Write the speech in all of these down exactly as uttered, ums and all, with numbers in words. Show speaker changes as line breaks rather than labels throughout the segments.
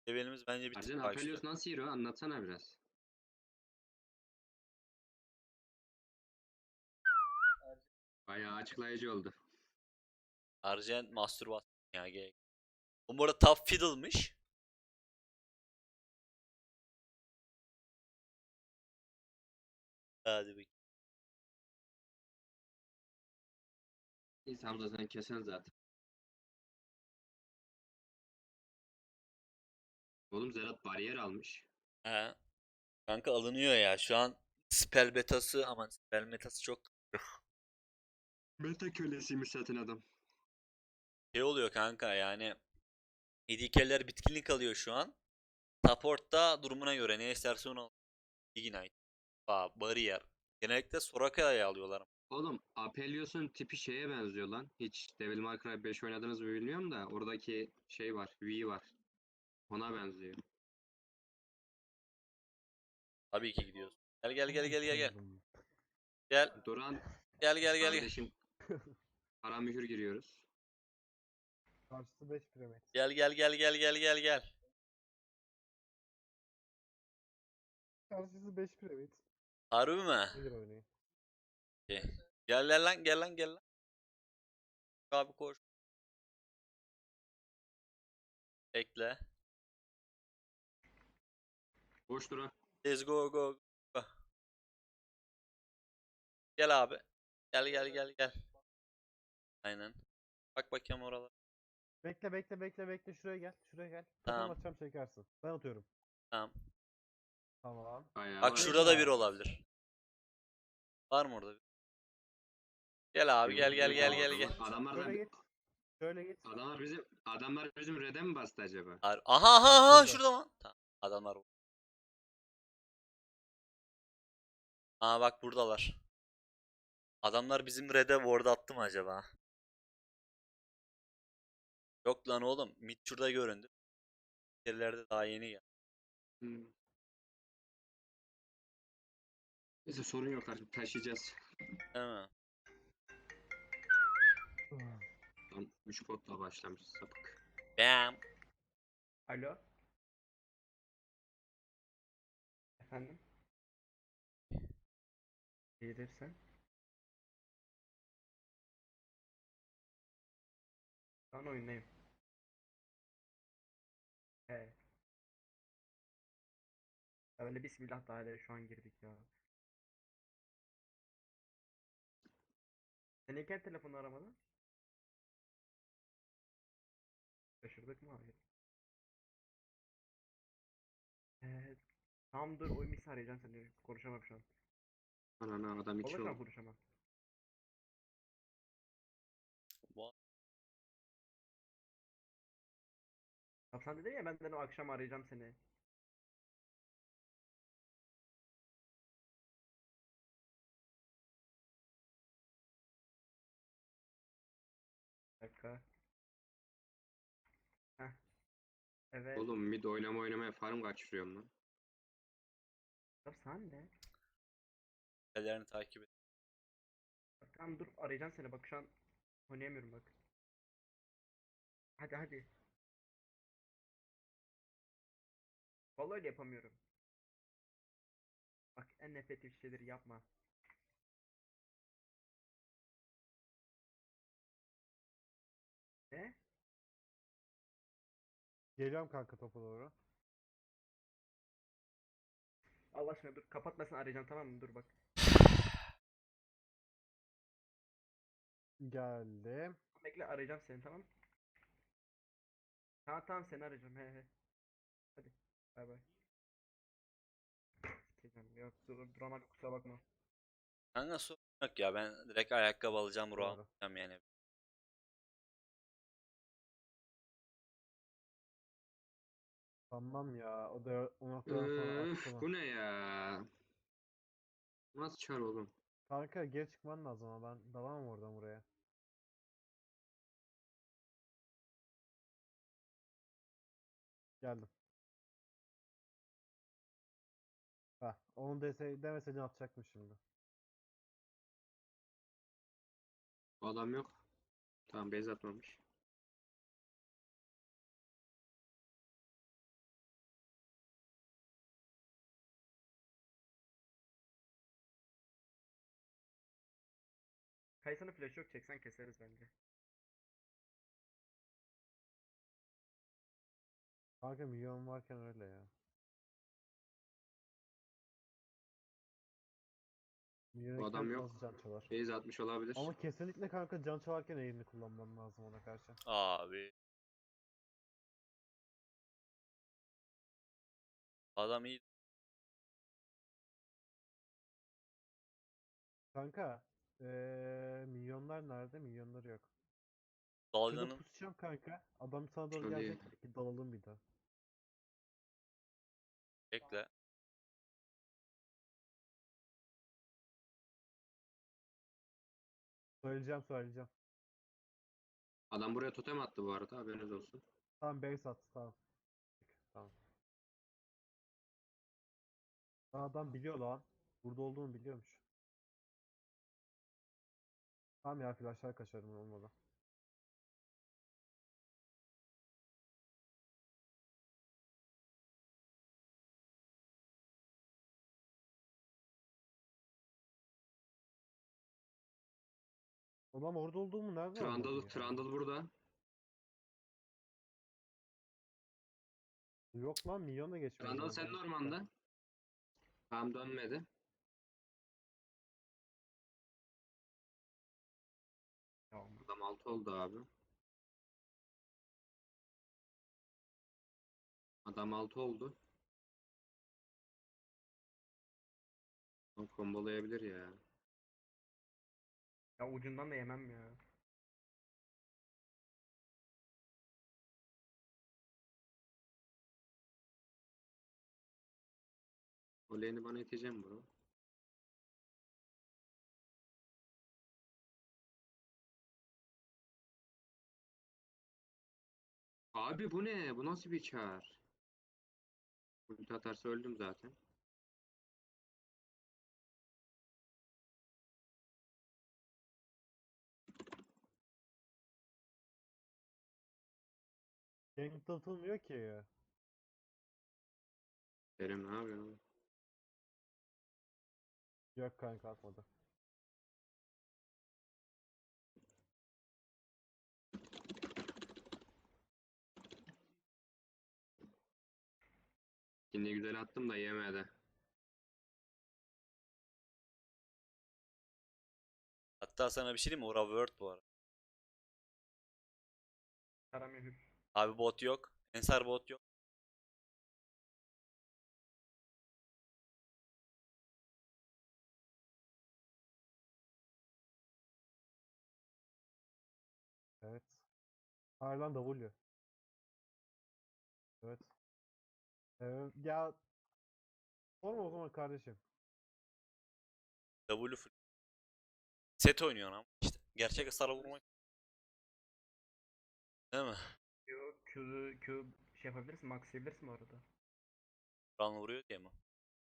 Levelimiz bence bir tık
Arjen
daha güçlü.
Apelios nasıl hero? Anlatsana biraz. Bayağı açıklayıcı oldu.
Arjen mastürbasyon ya gerek. Bu arada top fiddle'mış. Hadi bakayım.
İnsan Hamza sen kesen zaten. Oğlum Zerat bariyer almış.
He. Kanka alınıyor ya. Şu an spell betası aman spell metası çok
Meta kölesiymiş zaten adam.
şey oluyor kanka yani. A D Carry'ler bitkinlik alıyor şu an. Support da durumuna göre ne isterse onu alıyor. Ignite, Ba- Barrier. Genellikle Soraka'ya alıyorlar.
Oğlum Apelios'un tipi şeye benziyor lan. Hiç Devil May Cry beş oynadınız mı bilmiyorum da oradaki şey var, V var. Ona benziyor.
Tabii ki gidiyoruz. Gel gel gel gel gel gel.
Tanrım.
Gel
Duran
gel gel gel gel.
kardeşim para mühür giriyoruz.
Karşısı beş piramit.
Gel gel gel gel gel gel gel.
Karşısı beş piramit.
Harbi mi?
Nedir oynayın?
Okey. Gel gel lan gel lan gel lan. Abi koş. Bekle.
Boş Duran.
Let's go go go. Gel abi. Gel gel gel gel. Aynen. Bak bakayım oralar.
Bekle bekle bekle bekle şuraya gel. Şuraya gel.
Tamam.
Totem atacağım çekersin. Ben atıyorum.
Tamam.
Tamam.
Bayağı
Bak
var.
şurada da bir olabilir. Var mı orada bir? Gel abi
Yok,
gel gel
yok
gel
abi,
gel
adamlar-
gel.
Adamlar da
Şöyle git. Şöyle git.
adamlar bizim adamlar bizim red'e mi bastı acaba?
Har- Aha aha aha
Şurada.
şurada mı? Tamam. Adamlar bu. Aa bak buradalar. Adamlar bizim red'e ward attı mı acaba? Yok lan oğlum. Mid şurada göründü. Yerlerde daha yeni geldi.
Hmm. Neyse sorun yok artık taşıyacağız.
Değil mi?
Tam üç potla başlamış sapık.
Bam.
Alo. Efendim? Gelirsen. Şu an oyundayım. He. Ya böyle bismillah daire şu an girdik ya. Sen ilk telefonu aramadın? Şaşırdık mı? Hayır. Ee, tamam dur oyun bilgisayarı arayacağım seni. Konuşamam şu an.
Ana adam iki
Vallahi şu an
oldu.
konuşamam.
Bu-
Bak sen dedin ya ben de o akşam arayacağım seni. Bir dakika. Heh. Evet.
Oğlum mid oynama oynamaya farm kaçırıyorum lan.
Ya sen de.
Ellerini takip et.
Bak tamam dur arayacağım seni bak şu an oynayamıyorum bak. Hadi hadi. Vallahi öyle yapamıyorum. Bak en nefret ettiğim şeyleri yapma. Ne?
Geliyorum kanka topa doğru.
Allah aşkına dur kapatmasın arayacağım tamam mı? Dur bak.
Geldim.
Bekle arayacağım seni tamam. Tamam tamam seni arayacağım he he. Hadi. Bay bay. Sikeceğim. Yok dur duramadım kusura bakma.
Kanka sorun yok ya. Ben direkt ayakkabı alacağım. Ruh
Doğru.
alacağım yani.
Tamam ya. O da o noktadan sonra
Öf,
atsana.
bu ne ya? Nasıl çar oğlum?
Kanka geri çıkman lazım ama ben dalamam oradan buraya. Geldim. Heh, onu dese, demeseydin atacaktım şimdi.
Adam yok. Tamam base atmamış.
Kaysanın flash yok, çeksen keseriz bence.
Kanka milyon varken öyle ya.
Bu adam
Milyonken nasıl
yok.
can çalar?
Base atmış olabilir.
Ama kesinlikle kanka can çalarken eğimli kullanman lazım ona karşı.
Abi. Adam iyi.
Kanka eee milyonlar nerede? Milyonları yok. Şurada
Dalganın
pusacağım kanka. Adam sana doğru
Şöyle
gelecek. Belki dalalım bir daha.
bekle.
Söyleyeceğim söyleyeceğim.
adam buraya totem attı bu arada, haberiniz olsun.
Tamam base at. Tamam. Tamam. Lan adam biliyor lan. Burada olduğunu biliyormuş. Tamam ya flashlar kaçarım olmadı. Adam orada olduğumu nereden anladın
Trundle,
ya?
Trundle burada.
Yok lan milyon da geçmedi
Trundle
oradan.
senin ormanda. Tam dönmedi.
Tamam.
Adam altı oldu abi. Adam altı oldu. O kombolayabilir ya.
Ya ucundan da yemem ya.
O lane'i bana iteceğim bro. Abi bu ne? Bu nasıl bir çar? Ulti atarsa öldüm zaten.
Gank atılmıyor ki.
Derim ne yapıyorsun?
Yok kanka atmadı.
Şimdi güzel attım da yemedi.
Hatta sana bir şey diyeyim mi? Ora Word bu arada.
Karamühür.
Abi bot yok. Ensar bot yok.
Evet. Hayır lan W. Evet. Ee, ya sorma o zaman kardeşim.
W full. Set oynuyor ama işte. Gerçek hasara vurmak. Değil mi?
Q, Q, Q şey yapabilirsin, maxlayabilirsin bu arada.
Ran vuruyor diye mi?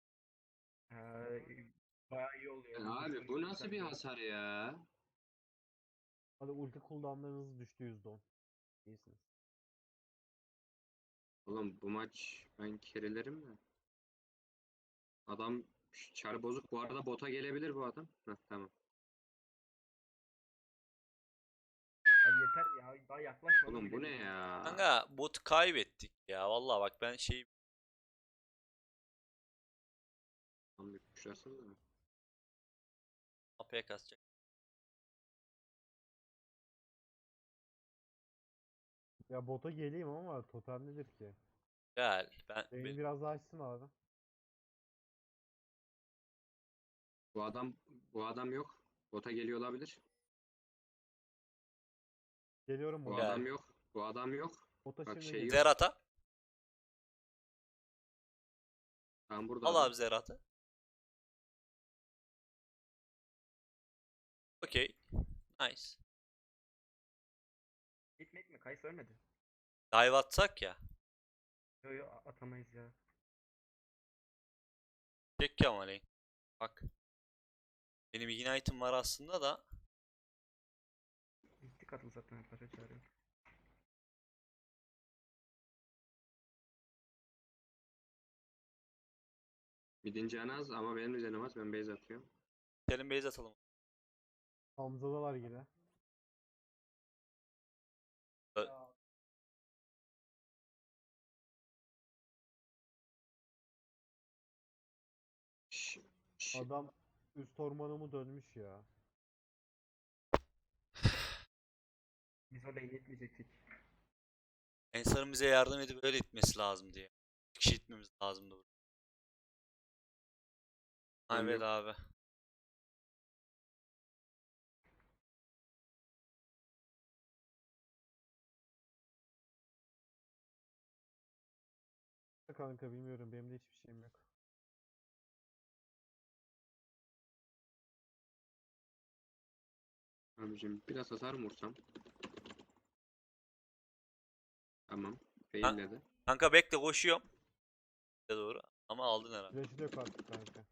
Ee, bayağı iyi oluyor.
Ya abi
Hızlı
bu
gidiyor
nasıl bir
sende.
hasar ya?
Hadi ulti cooldownlarınız düştü yüzde on. İyisiniz.
Oğlum bu maç ben kerilerim de. Adam çar bozuk. Bu arada bota gelebilir bu adam. Heh, tamam.
Abi yeter ya, daha yaklaşmadan
Oğlum
bile
bu ne
vuruyor.
ya?
Kanka bot kaybettik ya. Vallahi bak ben şey
Tam bir kuşlasın da.
A P kasacak.
Ya bota geleyim ama totem nedir ki?
Gel. Ben,
Beni
ben
biraz daha açsın abi.
Bu adam bu adam yok. Bota geliyor olabilir.
Geliyorum
Bu
bota.
gel.
adam yok. Bu adam yok.
Bota
Bak
şimdi
şey
geliyorum.
yok.
Zerat'a.
Tam burada
Al
adam.
abi Zerat'ı. Okey. Nice.
Gitmek mi? Kayısı ölmedi.
Dive atsak ya.
Yo yo, a- atamayız ya.
Çek Kemal'i. Bak. Benim Ignite'ım var aslında da.
Gittik atıl zaten, paşa çağırıyor.
Midin canı az ama benim de canım az. Ben base atıyorum.
Selim base atalım.
Hamza'dalar yine.
Ö-
Şş, şş.
Adam üst ormanımı dönmüş ya.
Biz o lane'i itmeyecektik.
Ensar'ın bize yardım edip öyle itmesi lazım diye. Bir kişi itmemiz lazımdı burada. Ha,
Ben
evet
yok.
abi.
Kanka bilmiyorum, benim de hiçbir şeyim yok.
Abicim biraz hasar mı vursam? Tamam.
Ha-
Failledi.
Kanka bekle, koşuyorum. Size doğru. Ama aldın herhalde.
Flash'ı da yok artık kanka.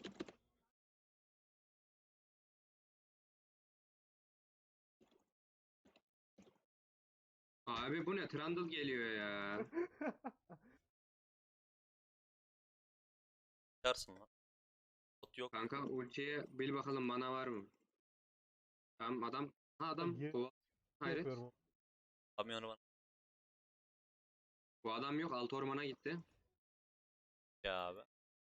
Abi bu ne? Trundle geliyor ya.
Çıkarsın lan. Bot yok.
Kanka ultiye bil bakalım mana var mı? Tamam adam. Ha adam.
Gir
O, hayret.
yapıyorum.
Kamyonu bana.
Bu adam yok. Alt ormana gitti.
Ya abi.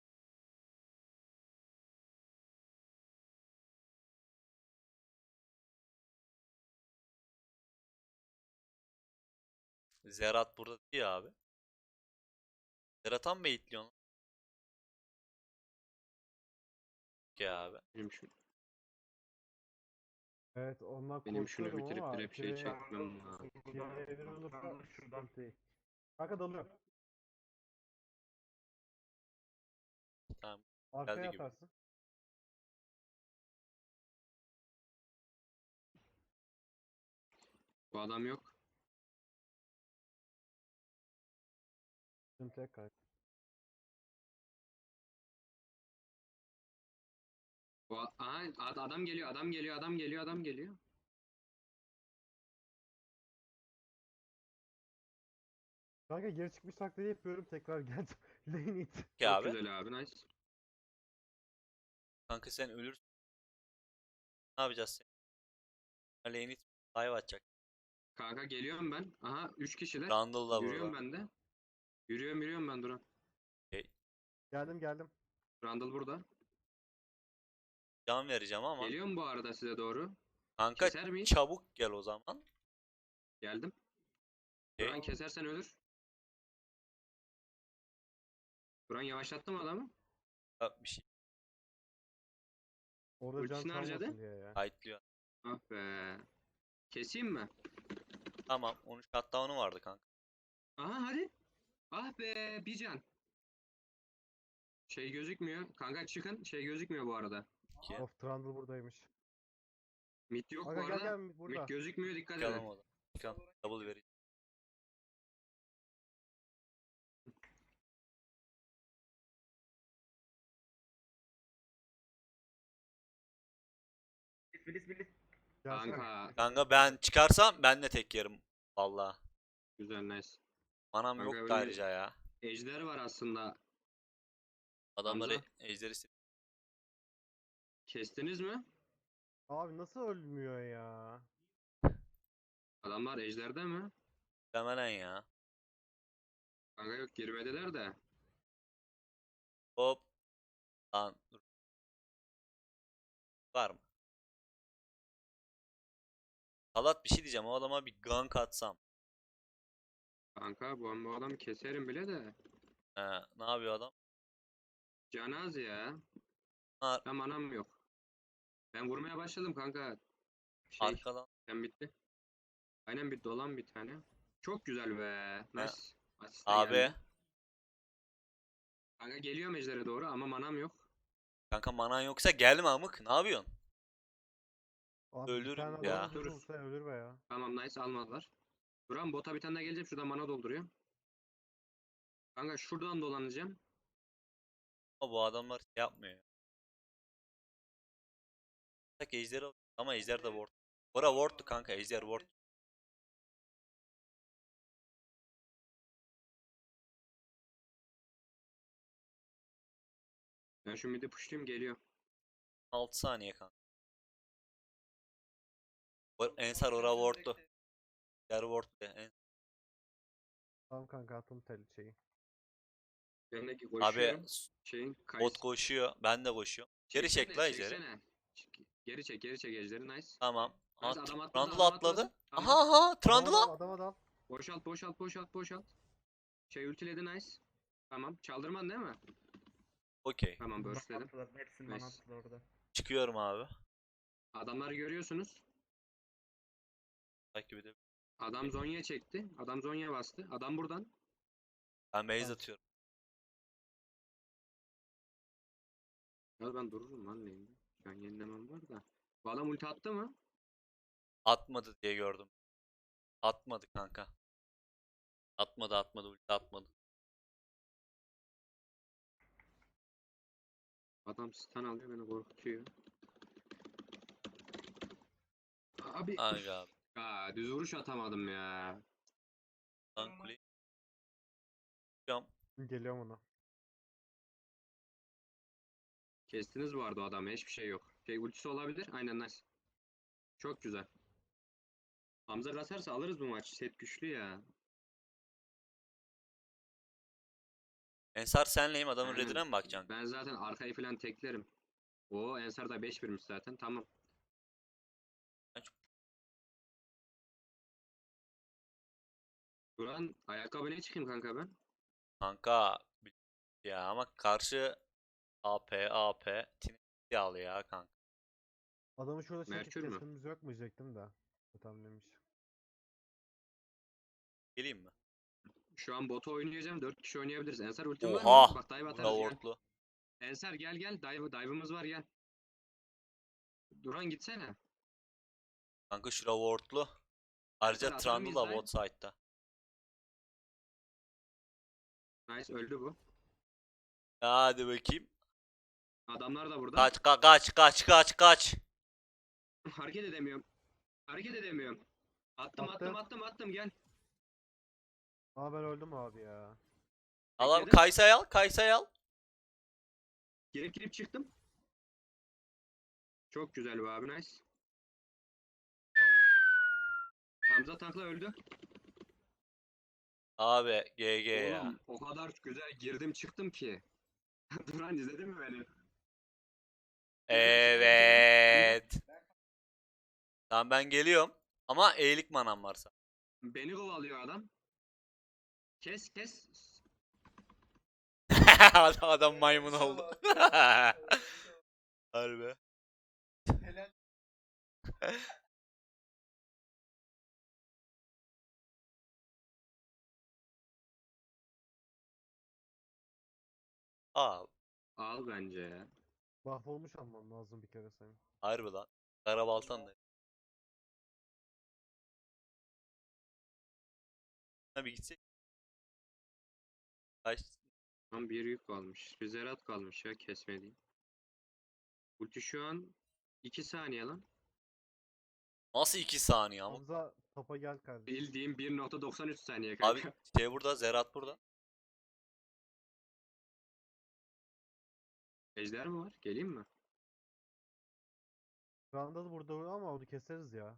Zerat burada değil ya abi. Zerat'a mı baitliyorsun lan? Ya abi.
Benim şu,
Evet, ondan
benim şunu
korkuyorum
bitirip
ama
direkt şey
Pire-
çekmem lazım.
Pire'nin olursa
Trundle şuradan.
sıkıntı değil. Kanka dalıyor.
Tamam.
Arkaya
gibi.
atarsın.
Bu adam yok.
Sıkıntı yok kanka.
Bu a- Aha, ad- adam geliyor, adam geliyor, adam geliyor, adam geliyor.
Kanka geri çıkmış taklidi yapıyorum, tekrar geldim. Lane it.
Ya
Çok
abi.
güzel abi, nice.
Kanka sen ölürsün. Ne yapacağız sen? Lane'i dive atacak.
Kanka geliyorum ben. Aha üç kişiler.
Randall da
Yürüyorum
burada.
ben de. Yürüyorum yürüyorum ben Duran.
Okey.
Geldim geldim.
Randall burada.
Can vereceğim ama.
Geliyorum bu arada size doğru.
Kanka
Keser miyiz?
çabuk gel o zaman.
Geldim.
Okey.
Duran kesersen ölür. Duran yavaşlattı mı adamı?
Ha, bir şey
Orada can
Ultisini harcadı.
çalmasın diye ya.
kayıtlıyor.
Ah be. Keseyim mi?
Tamam. on üç shutdown'u vardı kanka.
Aha hadi. Ah be bir can. Şey gözükmüyor. Kanka çıkın. Şey gözükmüyor bu arada.
İki.
Of, Trundle buradaymış.
Mid yok
Aga
bu
gel
arada.
gel burada.
Mid gözükmüyor, dikkat
Çıkalım
edin.
o zaman. Çıkalım. Double vereceğim.
Bilis bilis.
Gelsene.
Kanka
Kanka ben çıkarsam ben de tek yerim. Valla.
güzel nice.
Manam
Kanka
yok da
öyle
ayrıca ya.
ejder var aslında.
Adamları
Hamza.
ejderi ist-
Kestiniz mi?
Abi nasıl ölmüyor ya?
Adamlar ejderde mi?
istemelen ya.
Kanka yok girmediler de.
Hop. Lan dur. Var mı? Salat bir şey diyeceğim. O adama bir gank atsam.
Kanka bu, bu adamı keserim bile de.
He, ne yapıyor adam?
Canaz ya.
Ar
Ben manam yok. Ben vurmaya başladım kanka. Şey
arkadan.
ben bitti. Aynen bir dolan bir tane. Çok güzel be. Nice. Asist de
Abi.
geldi. Kanka geliyorum ejdere doğru ama manam yok.
Kanka manan yoksa gelme amık. Ne yapıyorsun?
Abi bir
Ölürüm
tane
ya.
adam
Dururuz.
vurulsa ölür be ya.
Tamam nice almadılar. Duran bota bir tane daha geleceğim. Şuradan mana dolduruyor. Kanka şuradan dolanacağım.
Ama bu adamlar şey yapmıyor. Tak ejder al- ama ejder de ward. Bora ward'tu kanka. Ejder ward.
Ben şu midi pushlayayım geliyor.
altı saniye kanka. O- Ensar ora wardlu. Diğer ward de. En-
Tamam kanka attım tel şeyi.
Yanındaki
Abi
koşuyorum.
s-
Şeyin
bot
kayısı.
koşuyor. Ben de koşuyorum. Geri çek
Çeksene,
la ejderi.
çeksene. Çek- Geri çek, geri çek ejderi. Nice.
Tamam. Aa,
Nice, adam atladı,
Trundle
adam
atladı.
atladı.
Aha
Tamam.
aha
Adama
Trundle'a.
dal, adama dal.
Boşalt, boşalt, boşalt, boşalt. Şey ultiledi, nice. Tamam. Çaldırman değil mi?
Okey.
Tamam,
Bana
burstledim.
attılar. Hepsini bana
Nice.
attılar orada.
Çıkıyorum abi.
Adamları görüyorsunuz.
Takip edelim.
Adam Zonya çekti. Adam Zonya bastı. Adam buradan.
Ben base
Evet.
atıyorum.
Ya ben dururum lan lane'de. Şu an yenilemem var da. Bu adam ulti attı mı?
Atmadı diye gördüm. Atmadı kanka. Atmadı atmadı ulti atmadı.
Adam stun alıyor, beni korkutuyor. Abi.
Aga abi.
Aa, düz vuruş atamadım ya.
Lan kuleyi. Çıkıyorum.
Geliyorum ona.
Kestiniz bu arada o adamı. Hiçbir şey yok. Şey ultisi olabilir. Aynen, nice. Çok güzel. Hamza kasarsa alırız bu maç. Set güçlü ya.
Ensar senleyim adamın
Aynen.
redine mi bakacaksın?
Ben zaten arkayı falan teklerim. O Ensar da beş birmiş zaten. Tamam. Duran ayakkabı ne çıkayım kanka ben?
Kanka ya ama karşı A P A P Tinesi al ya kanka.
Adamı şurada çekip
Merkür mü?
kesmemiz yok mu diyecektim de. Tamam demiş.
Geleyim mi?
Şu an bota oynayacağım. dört kişi oynayabiliriz. Ensar ultim var
Oha!
mı? Bak dive
Bunda
atarız gel.
wardlu.
Ensar gel gel. Dive, dive'ımız var gel. Duran gitsene.
Kanka şura wardlu. Ayrıca
Ensar atar
Trundle
mıyız
da
dive?
bot side'da.
Nice, öldü bu.
Hadi bakayım.
Adamlar da burada.
Kaç ka- kaç kaç kaç kaç.
Hareket edemiyorum. Hareket edemiyorum. Attım
Attı.
attım attım attım gel.
Aa ben öldüm abi ya.
Al abi
Bekledim.
Kaysa'yı al Kaysa'yı al.
Girip girip çıktım. Çok güzel bu abi, nice. Hamza tankla öldü.
Abi G G ya.
Oğlum o kadar güzel girdim çıktım ki. Duran izledin mi beni?
Evet. Tamam ben geliyorum. Ama eğilik manam varsa.
Beni kovalıyor adam. Kes kes.
adam, adam maymun oldu. Harbi. Aa,
Al bence ya.
Mahvolmuş almam lazım bir kere senin.
harbi lan. Karabaltan da. Tabii gitsek. Kaç?
Tam bir yük kalmış. Bir zerat kalmış ya kesmediğim. Ulti şu an iki saniye lan.
Nasıl iki saniye ama?
Hamza topa gel kardeşim.
Bildiğim bir nokta doksan üç saniye
Abi
kanka.
şey burada, Zerat burada.
Ejder mi var? Geleyim mi?
Randall burada ama onu keseriz ya.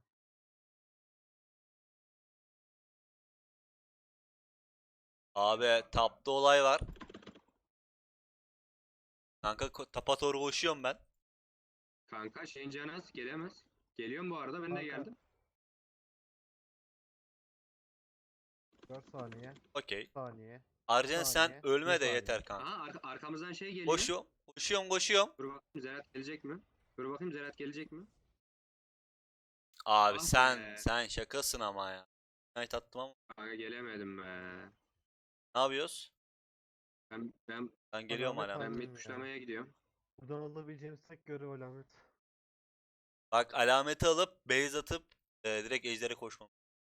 Abi tapta olay var. Kanka ko- tapa doğru koşuyorum ben.
Kanka şeyin canaz gelemez. Geliyorum bu arada, ben de
Kanka.
geldim.
dört saniye.
Okey.
Saniye.
Arjen sen
saniye,
ölme
bir
de
saniye.
yeter kanka.
Aha arka- arkamızdan şey geliyor.
Koşuyorum. Koşuyorum koşuyorum.
Dur bakayım Zerat gelecek mi? Dur bakayım Zerat gelecek mi?
Abi
Ah
sen
be.
sen şakasın ama ya. Knight attım ama.
Kanka gelemedim be.
Ne yapıyoruz?
Ben ben
Ben geliyorum
Alamet
hala.
ben
aldım
mid
ya.
tuşlamaya gidiyorum.
Buradan alabileceğimiz tek görev alamet.
Bak alameti alıp base atıp e, direkt ejdere koşmam.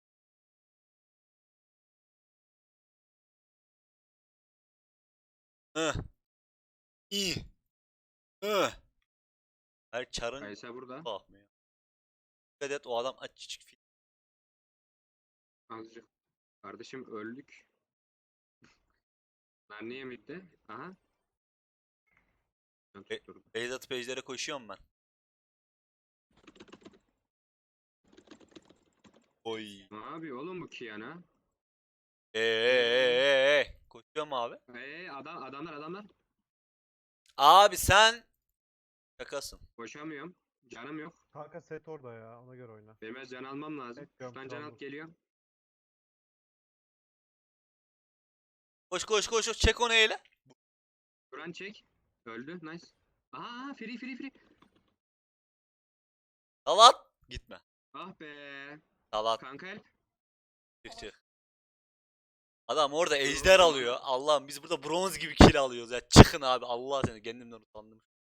Hıh. İyi. Hıh. Her çarın
Kaysa burada.
bakmıyor. Dikkat et o adam açık fil.
Azıcık. Kardeşim öldük. Ben niye midde? Aha. Ben
E-
tutturdum.
Base atıp ejdere koşuyorum ben. Oy.
Ne yapıyor oğlum bu Kiana?
Eee koşuyor mu abi?
Eee adam adamlar adamlar.
Abi sen şakasın.
Koşamıyorum. Canım yok.
Kanka set orada ya. Ona göre oyna.
Benim biraz can almam lazım.
Evet, diyorum,
Şuradan
şu
can
an
alıp
dur.
geliyorum.
Koş koş koş koş çek onu eyle.
Duran çek. Öldü. Nice. Aa free free free.
Salat. Gitme.
Ah be.
Salat.
Kanka help.
Çık çık. Adam orada
Dur
ejder
oğlum,
alıyor.
adam-
Allah'ım biz burada bronz gibi kill alıyoruz ya. Çıkın abi. Allah seni kendimden utandım.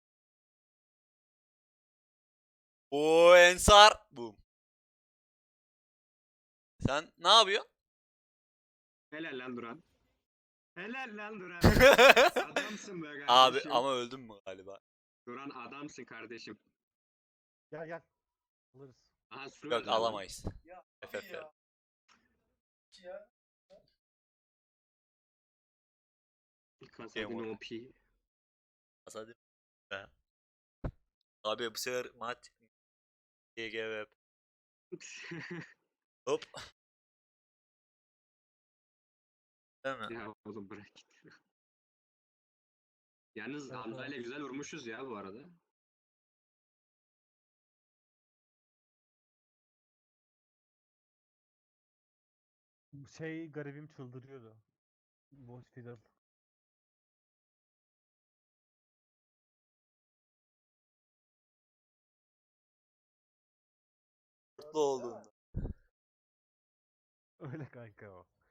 O Ensar. Boom. Sen ne yapıyorsun?
Helal lan Duran. Helal lan Duran. Adamsın be kardeşim.
Abi ama öldüm mü galiba?
Duran adamsın kardeşim.
Gel gel. Alırız.
Aha su
Yok
verdi adam.
alamayız. F F ver.
Kasadin
Game
O P.
Hadi be. Abi bu sefer maç G G web. Hop. Değil mi?
Ya oğlum bırak git. Yalnız
Evet,
Hamza ile
evet.
güzel vurmuşuz ya bu arada.
Bu Şey garibim çıldırıyordu. Voice Fiddle.
Mutlu oldum.
Öyle kanka o.